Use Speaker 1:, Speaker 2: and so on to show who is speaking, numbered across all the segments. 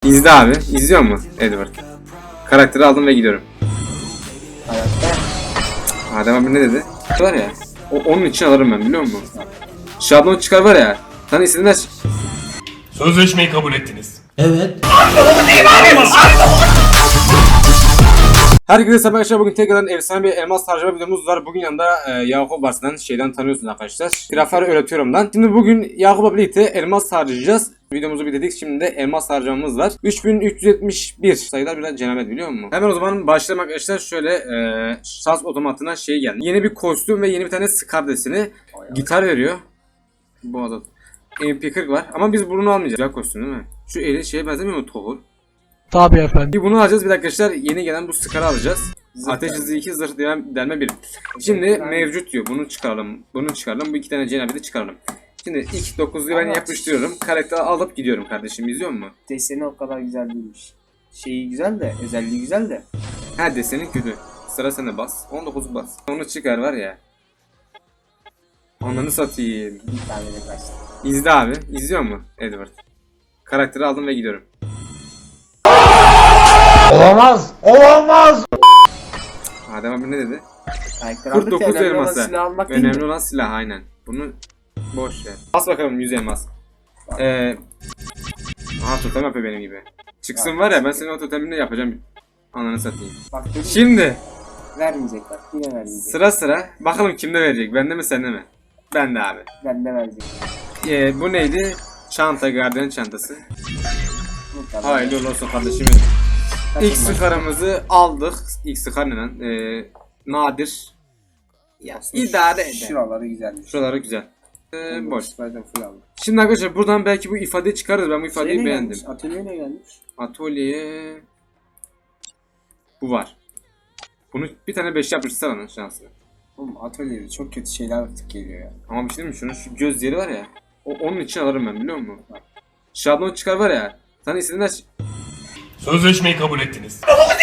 Speaker 1: İzle abi. İzliyor mu Edward? Karakteri aldım ve gidiyorum. Adem abi ne dedi? Var ya. Onun için alırım ben, biliyor musun? Şablon çıkar var ya. Sana istediğinden...
Speaker 2: Sözleşmeyi kabul ettiniz.
Speaker 3: Evet.
Speaker 1: Herkese selam arkadaşlar, bugün tekrardan efsane bir elmas harcama videomuz var. Bugün yanında Yakup var, şeyden tanıyorsunuz arkadaşlar. Grafer öğretiyorumdan. Şimdi bugün Yakup'la birlikte elmas harcayacağız. Videomuzu bitirdik, şimdi de elmas harcamamız var. 3371 sayılar biraz cenabet, biliyor musun? Hemen o zaman başlayalım arkadaşlar. Şöyle şans otomatına geldi. Yeni bir kostüm ve yeni bir tane Scar deseni. Gitar veriyor. Bu adet. MP40 var ama biz bunu almayacağız. Güzel kostüm değil mi? Şu eli benzemiyor mu, Tohur?
Speaker 3: Tabii efendim.
Speaker 1: Bir bunu alacağız, bir dakika arkadaşlar, yeni gelen bu Scar'ı alacağız. Ateş hızı 2, zırh delme 1. Şimdi mevcut diyor, bunu çıkaralım, bunu çıkaralım, bu iki tane cenabeti de çıkaralım. Şimdi ilk 9'luyu ben yapıştırıyorum, karakteri alıp gidiyorum kardeşim, izliyor musun?
Speaker 4: Deseni o kadar güzel değilmiş. Şeyi güzel de, özelliği güzel de.
Speaker 1: Ha, deseni kötü. Sıra sende, bas. 19'u bas. Onu çıkar var ya. Ananı satayım.
Speaker 4: Bir tane de kaçtı.
Speaker 1: İzle abi, izliyor mu Edward? Karakteri aldım ve gidiyorum.
Speaker 3: Olamaz. Olamaz.
Speaker 1: Adem abi ne dedi?
Speaker 4: Karakter
Speaker 1: 49
Speaker 4: aldık ya, önemli olan
Speaker 1: elması.
Speaker 4: silah almak değil
Speaker 1: Önemli
Speaker 4: mi?
Speaker 1: olan silah, aynen. Bunu boş ver. Bas bakalım 100 elmas. Aha, totem yapıyor benim gibi. Çıksın var ya, ben senin o totemini yapacağım. Ananı satayım.
Speaker 4: Bak dedim,
Speaker 1: Şimdi
Speaker 4: vermeyecek bak, yine vermeyecek.
Speaker 1: sıra bakalım kimde verecek, bende mi sende mi? Bende abi.
Speaker 4: Bende verecek.
Speaker 1: Bu neydi? Çanta, gardiyan çantası.
Speaker 4: Mutlaka.
Speaker 1: Hayırlı olsun kardeşim. İlk sıkarımızı aldık. İlk sıkar ne lan? Nadir. Ya idare eder.
Speaker 4: Şuraları güzelmiş.
Speaker 1: Şuraları güzel. Boş.
Speaker 4: Zaten full aldım.
Speaker 1: Şimdi arkadaşlar buradan belki bu ifadeyi çıkarırız. Ben bu ifadeyi
Speaker 4: Şey ne
Speaker 1: beğendim.
Speaker 4: gelmiş? Atölyeyle gelmiş.
Speaker 1: Atölyeye bu var. Bunu bir tane 5 yapıştırsana lan şansını.
Speaker 4: Oğlum atölyede çok kötü şeyler artık geliyor ya.
Speaker 1: Ama bir şey diyeyim mi? Şunun şu göz yeri var ya. Onun için alırım ben, biliyor musun? Şablon çıkar var ya. Sana istediğinden...
Speaker 2: Sözleşmeyi kabul ettiniz.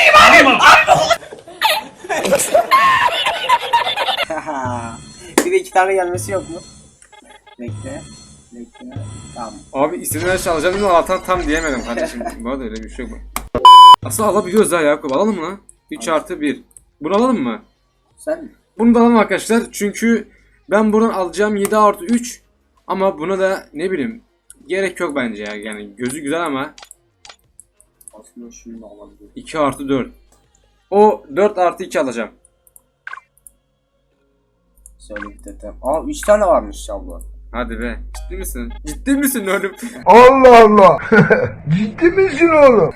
Speaker 4: Bir de iki tane gelmesi yok mu? Bekle. Tamam.
Speaker 1: Abi istediğinden şey alacağım dedim, Allah'tan tam diyemedim kardeşim. Bu arada öyle bir şey yok. Aslında alabiliyoruz ha Yakup. Alalım mı lan? 3 artı 1. Bunu alalım mı?
Speaker 4: Sen mi?
Speaker 1: Bunu da alalım arkadaşlar. Çünkü ben buradan alacağım 7 artı 3. Ama buna da ne bileyim, gerek yok bence ya. Yani gözü güzel ama
Speaker 4: Aslında şunu da alabilirim.
Speaker 1: 2 artı 4. O 4 artı 2 alacağım.
Speaker 4: Söyle bir detem. Aa 3 tane varmış şablon.
Speaker 1: Hadi be. Ciddi misin? Ciddi misin oğlum?
Speaker 3: Allah Allah. Ciddi misin oğlum?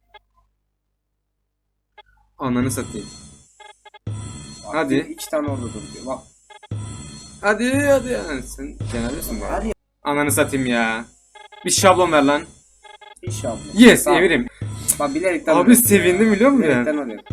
Speaker 1: Ananı satayım.
Speaker 4: Bak,
Speaker 1: Hadi.
Speaker 4: 2 tane orada duruyor. Bak.
Speaker 1: Hadi yani sen cenabresin bu arada.
Speaker 4: Hadi.
Speaker 1: Ananı satayım ya. Bir şablon ver lan.
Speaker 4: Bir şablon.
Speaker 1: Yes,
Speaker 4: Tamam.
Speaker 1: emirim.
Speaker 4: Bak bilerekten
Speaker 1: Abi
Speaker 4: alıyorum
Speaker 1: sevindim,
Speaker 4: ya.
Speaker 1: biliyor musun ya?
Speaker 4: Bilerekten alıyorum.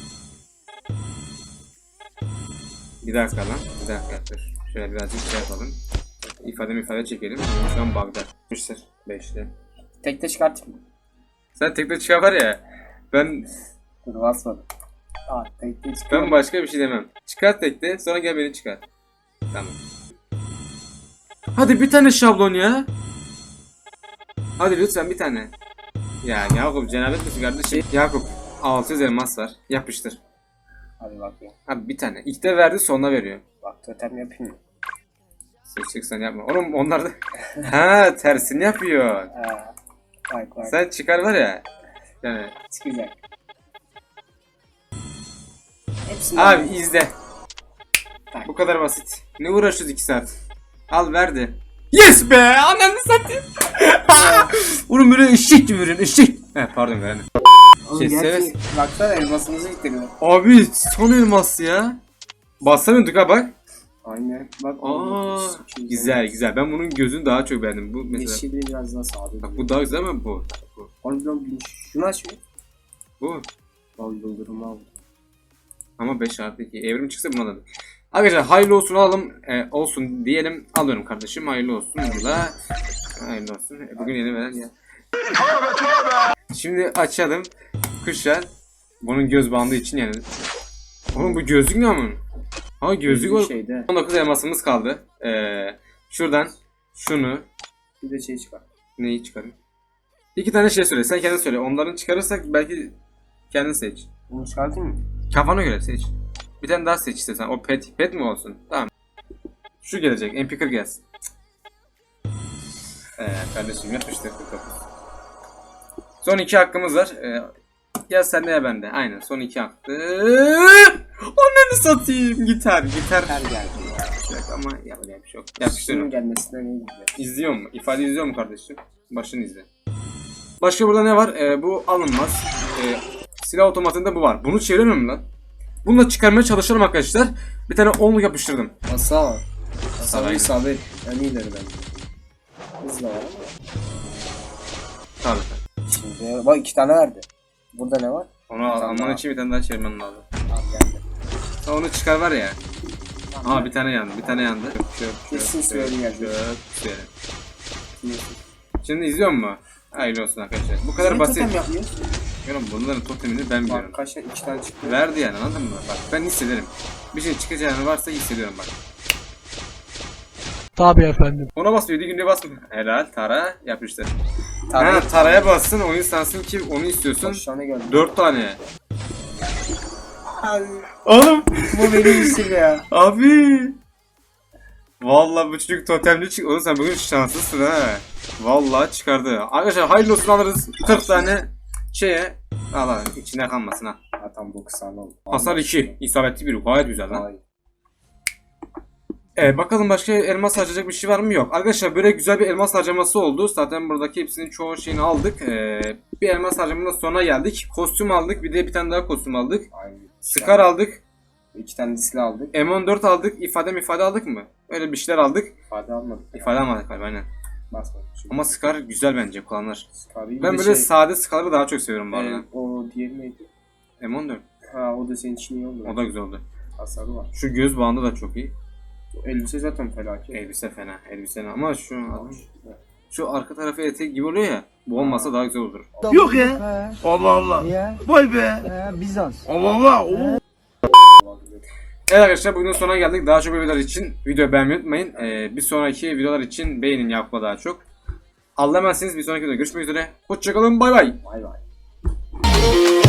Speaker 1: Bir dakika lan. Bir dakika dur. Şöyle birazcık şey yapalım. İfade çekelim. Şu an bug'da. 5'te.
Speaker 4: Tekte çıkartayım mı?
Speaker 1: Sen tekte çıkar var ya. Ben
Speaker 4: Dur basmadım. Aa tekte çıkar.
Speaker 1: ben başka bir şey demem. Çıkar tekte, sonra gel beni çıkar. Tamam. Hadi bir tane şablon ya. Hadi lütfen bir tane. Ya Yakup, cenabet misin kardeşim? Yakup 600 elmas var. Yapıştır.
Speaker 4: Hadi bakayım.
Speaker 1: Abi bir tane. İlk de verdi, sonra veriyor.
Speaker 4: Bak totem yapayım mı?
Speaker 1: Sen yapma. Oğlum onlar da... Ha, tersini yapıyor.
Speaker 4: Bak.
Speaker 1: Sen çıkar var ya. Yani.
Speaker 4: Çıkacak. Hepsini
Speaker 1: Abi
Speaker 4: alayım.
Speaker 1: izle.
Speaker 4: Tak.
Speaker 1: Bu kadar basit. Ne uğraşıyoruz 2 saat? Al verdi. Yes be! Ananı satayım. Oğlum böyle eşek gibi verin, eşek. He pardon verin.
Speaker 4: Oğlum
Speaker 1: Şey,
Speaker 4: gerçi
Speaker 1: seves-
Speaker 4: baksana elmasımızı bitiriyor.
Speaker 1: Abi son elmas ya. Bassamıyorduk ha bak.
Speaker 4: Aynen. Bak.
Speaker 1: Aa,
Speaker 4: Çok
Speaker 1: güzel. Ben bunun gözünü daha çok beğendim. Bu mesela.
Speaker 4: Yeşili biraz daha sağda.
Speaker 1: Bak bu daha güzel ama bu.
Speaker 4: Harbiden şunu aç bir.
Speaker 1: Bu.
Speaker 4: Al yıldırımı al.
Speaker 1: Ama 5 artı 2. Evrim çıksa bunu alalım. Arkadaşlar hayırlı olsun alalım. Olsun diyelim. Alıyorum kardeşim. Hayırlı olsun. Burada. Hayırlı olsun. Bugün yeni veren ya. Şimdi açalım. Kuşlar. Bunun göz bandı için yani. Oğlum bu gözlük ne ama? Ha gözlük var.
Speaker 4: Şeyde.
Speaker 1: 19 elmasımız kaldı. Şuradan şunu.
Speaker 4: Bir de şey çıkar.
Speaker 1: Neyi çıkarayım? İki tane şey söyle. Sen kendin söyle. Onların çıkarırsak belki kendin seç.
Speaker 4: Bunu çıkartayım mı?
Speaker 1: Kafana göre seç. Bir tane daha seç istesen. O pet mi olsun? Tamam. Şu gelecek. MP40 gelsin. Kardeşim yapıştır. Son 2 hakkımız var. Ya sende ya bende. Aynen son 2 hakkı. Onları satayım. Gitar.
Speaker 4: Her geldi ya.
Speaker 1: Yok ama yapacak bir şey yok.
Speaker 4: Şunun
Speaker 1: Yapıştırıyorum.
Speaker 4: gelmesinden iyi gidiyor.
Speaker 1: İzliyor mu? İfade izliyor mu kardeşim? Başını izle. Başka burada ne var? Bu alınmaz. Silah otomatında bu var. Bunu çeviremiyorum lan. Bunu da çıkarmaya çalışıyorum arkadaşlar. Bir tane 10'luk yapıştırdım.
Speaker 4: Hasar.
Speaker 1: Hasar,
Speaker 4: Hasar isabet. En iyileri bence. Hızla var ama.
Speaker 1: Tabii.
Speaker 4: Şimdi bak 2 tane verdi. Burada ne var?
Speaker 1: Onu alman için bir tane daha çevirmen lazım.
Speaker 4: Tamam geldi.
Speaker 1: Ha, onu çıkar var ya. Aa bir tane yandı. Bir tane yandı.
Speaker 4: Kesin söyledi geldi.
Speaker 1: Şöyle. Şimdi izliyor mu? Hayırlı olsun arkadaşlar. Bu kadar
Speaker 4: Senin
Speaker 1: basit.
Speaker 4: totem yapmıyoruz.
Speaker 1: Oğlum bunların totemini ben biliyorum.
Speaker 4: Bak kaç 2 tane çıktı.
Speaker 1: Verdi yani anladın mı? Bak ben hissederim. Bir şey çıkacağını varsa hissediyorum bak.
Speaker 5: Tabii efendim.
Speaker 1: Ona bas 7 günde basma. Helal Tara yapıştır.
Speaker 4: Taraya-
Speaker 1: Tara'ya bassın oyun sansın ki onu istiyorsun.
Speaker 4: Kaç tane geldi?
Speaker 1: 4 tane.
Speaker 4: Abi,
Speaker 1: Oğlum.
Speaker 4: bu benim işim ya.
Speaker 1: Abi. Vallahi bu çocuk totemli çık. Oğlum sen bugün şanslısın ha. Vallahi çıkardı. Arkadaşlar hayırlı olsun alırız 40 tane şeye. Allah içinde kalmasın ha.
Speaker 4: Ha tam 9 tane oldu.
Speaker 1: Hasar 2. İsabetli bir gayet güzel lan.
Speaker 4: Vay.
Speaker 1: Bakalım başka elmas harcayacak bir şey var mı? Yok. Arkadaşlar böyle güzel bir elmas harcaması oldu. Zaten buradaki hepsinin çoğu şeyini aldık. Bir elmas harcamanın sonuna geldik. Kostüm aldık. Bir de bir tane daha kostüm aldık.
Speaker 4: Aynen.
Speaker 1: Scar aldık.
Speaker 4: 2 tane silah aldık.
Speaker 1: M14 aldık. İfade aldık mı? Öyle bir şeyler aldık.
Speaker 4: İfade almadık.
Speaker 1: İfade almadık galiba aynen.
Speaker 4: Basmadık.
Speaker 1: Ama Scar güzel bence kullanılır.
Speaker 4: Scar'ı
Speaker 1: Ben böyle sade Scar'ları daha çok seviyorum bu arada.
Speaker 4: o diğeri neydi?
Speaker 1: M14.
Speaker 4: Ha o da senin için iyi oldu.
Speaker 1: O da güzel oldu.
Speaker 4: Hasarı var.
Speaker 1: Şu göz bandı da çok iyi.
Speaker 4: Elbise zaten felaket.
Speaker 1: Elbise fena. Elbise ama şu arka tarafı etek gibi oluyor ya. Bu olmasa daha güzel olur.
Speaker 3: Yok ya. Allah Allah. Vay be.
Speaker 5: Bizans.
Speaker 3: Allah Allah. Oo.
Speaker 1: Evet arkadaşlar bugünün sonuna geldik. Daha çok videolar için videoyu beğenmeyi unutmayın. Bir sonraki videolar için beğenin Yakup'a daha çok. Allah'a emanetsiniz. Bir sonraki videoda görüşmek üzere. Hoşçakalın. Bay bay.
Speaker 4: Vay vay.